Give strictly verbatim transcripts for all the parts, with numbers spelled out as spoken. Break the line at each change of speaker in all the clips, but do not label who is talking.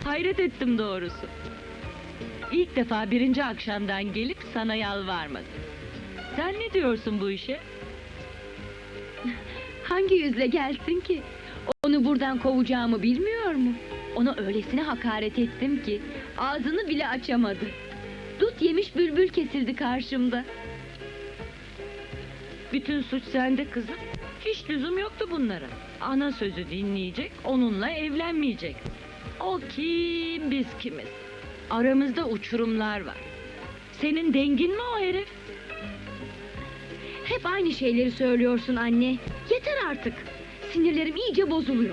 Hayret ettim doğrusu. İlk defa birinci akşamdan gelip sana yalvarmadı. Sen ne diyorsun bu işe?
Hangi yüzle gelsin ki? Onu buradan kovacağımı bilmiyor mu? Ona öylesine hakaret ettim ki ağzını bile açamadı. Dut yemiş bülbül kesildi karşımda.
Bütün suç sende kızım. Hiç lüzum yoktu bunlara. Ana sözü dinleyecek, onunla evlenmeyecek. O kim, biz kimiz? Aramızda uçurumlar var. Senin dengin mi o herif?
Hep aynı şeyleri söylüyorsun anne. Yeter artık. Sinirlerim iyice bozuluyor.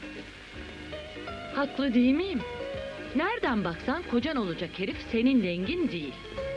Haklı değil miyim? Nereden baksan kocan olacak herif senin dengin değil.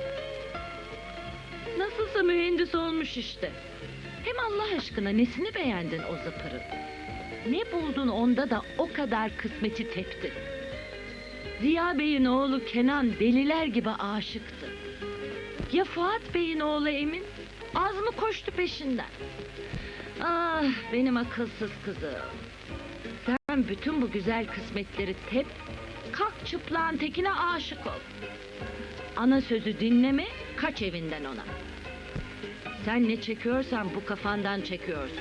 Nasılsa mühendis olmuş işte. Hem Allah aşkına nesini beğendin o zıpırın? Ne buldun onda da o kadar kısmeti tepti? Ziya Bey'in oğlu Kenan deliler gibi aşıktı. Ya Fuat Bey'in oğlu Emin? Az mı koştu peşinden? Ah benim akılsız kızım. Sen bütün bu güzel kısmetleri tep, kalk çıplağın tekine aşık ol. Ana sözü dinleme, kaç evinden ona. Sen ne çekiyorsan bu kafandan çekiyorsun.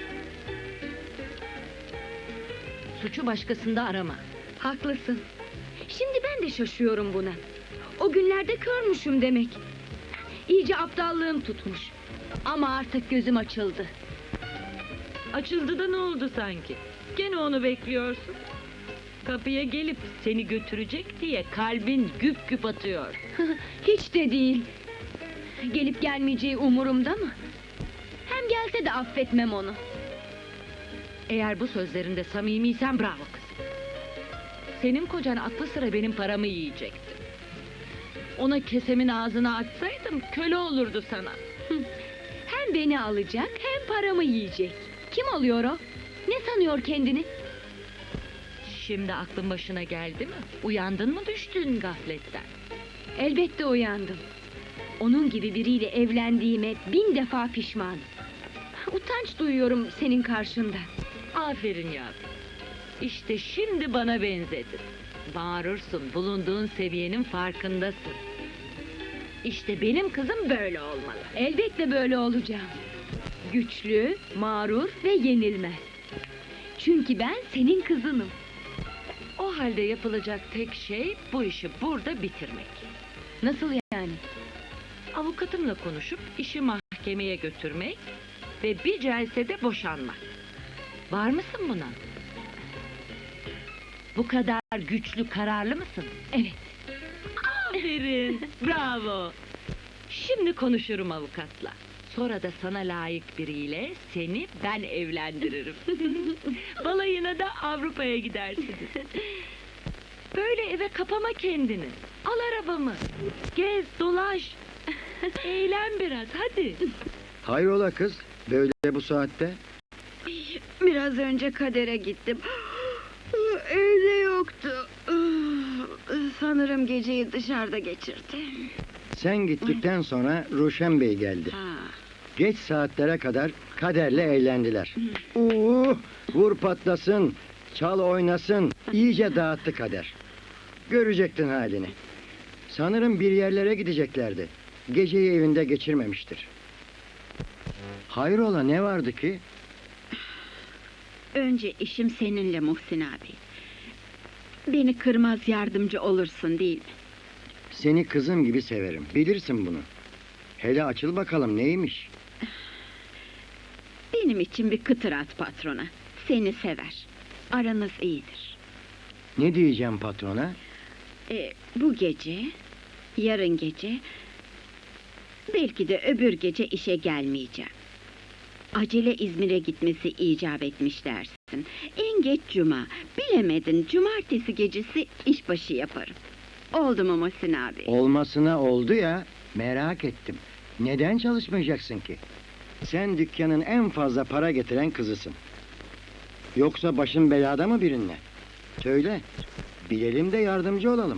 Suçu başkasında arama.
Haklısın. Şimdi ben de şaşıyorum buna. O günlerde körmüşüm demek. İyice aptallığım tutmuş. Ama artık gözüm açıldı.
Açıldı da ne oldu sanki? Gene onu bekliyorsun. Kapıya gelip seni götürecek diye kalbin güp güp atıyor.
Hiç de değil. Gelip gelmeyeceği umurumda mı? Hem gelse de affetmem onu.
Eğer bu sözlerinde samimiysen bravo kız. Senin kocan aklı sıra benim paramı yiyecekti. Ona kesemin ağzına açsaydım köle olurdu sana.
Hem beni alacak hem paramı yiyecek. Kim oluyor o? Ne sanıyor kendini?
Şimdi aklın başına geldi mi? Uyandın mı düştün gafletten?
Elbette uyandım. Onun gibi biriyle evlendiğime bin defa pişmanım. Utanç duyuyorum senin karşında.
Aferin yavrum. İşte şimdi bana benzedin. Bağırırsın, bulunduğun seviyenin farkındasın. İşte benim kızım böyle olmalı.
Elbette böyle olacağım. Güçlü, mağrur ve yenilmez. Çünkü ben senin kızınım.
O halde yapılacak tek şey bu işi burada bitirmek.
Nasıl yani?
Avukatımla konuşup işi mahkemeye götürmek ve bir celsede boşanmak. Var mısın buna? Bu kadar güçlü, kararlı mısın?
Evet.
Aferin, bravo. Şimdi konuşurum avukatla. Sonra da sana layık biriyle seni ben evlendiririm. Balayına da Avrupa'ya gidersiniz. Böyle eve kapama kendini. Al arabamı. Gez, dolaş. Eğlen biraz, hadi.
Hayrola kız, böyle bu saatte?
Biraz önce Kader'e gittim. Evde yoktu. Sanırım geceyi dışarıda geçirdi.
Sen gittikten sonra Ruşen Bey geldi.
Ha.
Geç saatlere kadar Kader'le eğlendiler. Oo, vur patlasın, çal oynasın, iyice dağıttı Kader. Görecektin halini. Sanırım bir yerlere gideceklerdi. Geceyi evinde geçirmemiştir. Hayrola, ne vardı ki?
Önce işim seninle Muhsin abi. Beni kırmaz yardımcı olursun değil mi?
Seni kızım gibi severim, bilirsin bunu. Hele açıl bakalım, neymiş?
Benim için bir kıtır at patrona. Seni sever. Aranız iyidir.
Ne diyeceğim patrona?
Ee, bu gece, yarın gece, belki de öbür gece işe gelmeyeceğim. Acele İzmir'e gitmesi icap etmiş dersin. En geç cuma, bilemedin cumartesi gecesi işbaşı yaparım. Oldu mu Muhsin abi?
Olmasına oldu ya, merak ettim. Neden çalışmayacaksın ki? Sen dükkanın en fazla para getiren kızısın. Yoksa başın belada mı birinle? Söyle, bilelim de yardımcı olalım.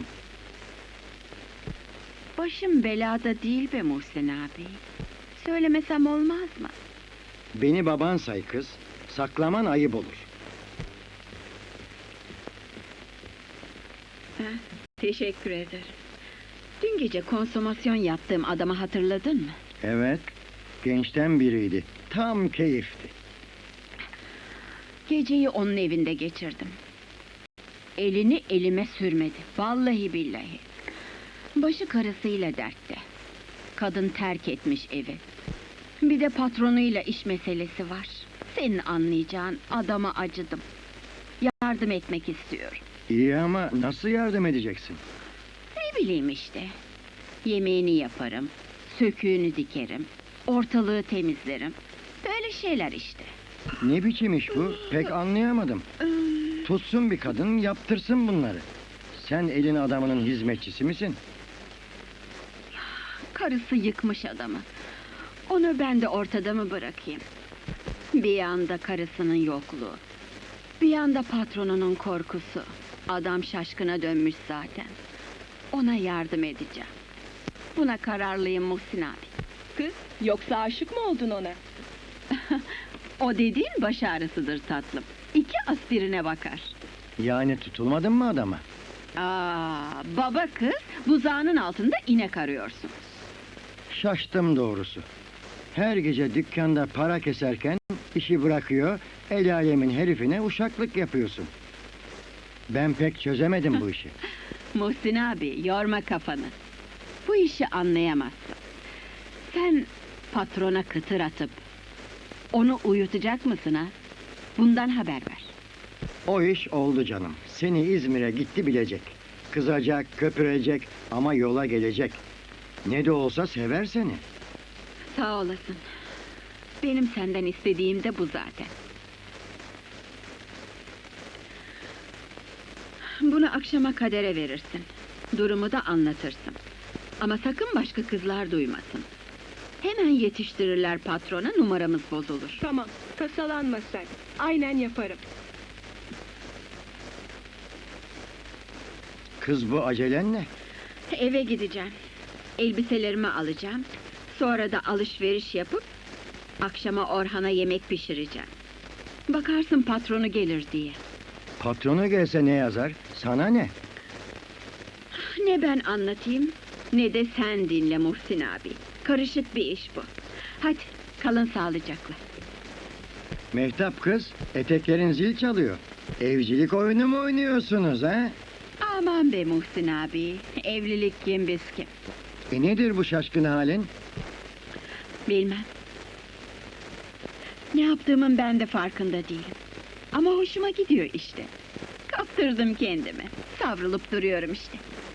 Başım belada değil be Muhsin abi. Söylemesem olmaz mı?
Beni baban say kız, saklaman ayıp olur.
Ee, Teşekkür ederim. Dün gece konsomasyon yaptığım adamı hatırladın mı?
Evet, gençten biriydi. Tam keyifti.
Geceyi onun evinde geçirdim. Elini elime sürmedi. Vallahi billahi. Başı karısıyla dertte. Kadın terk etmiş evi. Bir de patronuyla iş meselesi var. Senin anlayacağın adama acıdım. Yardım etmek istiyorum.
İyi ama nasıl yardım edeceksin?
Ne bileyim işte. Yemeğini yaparım. Söküğünü dikerim. Ortalığı temizlerim. Böyle şeyler işte.
Ne biçim iş bu? Pek anlayamadım. Tutsun bir kadın, yaptırsın bunları. Sen elin adamının hizmetçisi misin?
Karısı yıkmış adamı. Onu ben de ortada mı bırakayım? Bir yanda karısının yokluğu. Bir yanda patronunun korkusu. Adam şaşkına dönmüş zaten. Ona yardım edeceğim. Buna kararlıyım Muhsin abi.
Kız, yoksa aşık mı oldun ona?
O dediğin baş ağrısıdır tatlım. İki aspirine bakar.
Yani tutulmadın mı adama?
Aa, baba kız buzağının altında inek arıyorsun.
Şaştım doğrusu. Her gece dükkanda para keserken işi bırakıyor, el alemin herifine uşaklık yapıyorsun. Ben pek çözemedim bu işi.
Muhsin abi yorma kafanı. Bu işi anlayamazsın. Sen patrona kıtır atıp onu uyutacak mısın ha? Bundan haber ver.
O iş oldu canım. Seni İzmir'e gitti bilecek. Kızacak, köpürecek ama yola gelecek. Ne de olsa sever seni.
Sağ olasın. Benim senden istediğim de bu zaten. Bunu akşama Kader'e verirsin. Durumu da anlatırsın. Ama sakın başka kızlar duymasın. Hemen yetiştirirler patrona, numaramız bozulur.
Tamam, tasalanma sen. Aynen yaparım.
Kız bu acelen ne?
Eve gideceğim. Elbiselerimi alacağım. Sonra da alışveriş yapıp akşama Orhan'a yemek pişireceğim. Bakarsın patronu gelir diye.
Patronu gelse ne yazar? Sana ne?
Ne ben anlatayım, ne de sen dinle Muhsin abi. Karışık bir iş bu. Hadi kalın sağlıcakla.
Mehtap kız, eteklerin zil çalıyor. Evcilik oyunu mu oynuyorsunuz ha?
Aman be Muhsin abi, evlilik kim biz kim?
E nedir bu şaşkın halin?
Bilmem. Ne yaptığımın ben de farkında değilim. Ama hoşuma gidiyor işte. Kaptırdım kendimi. Savrulup duruyorum işte.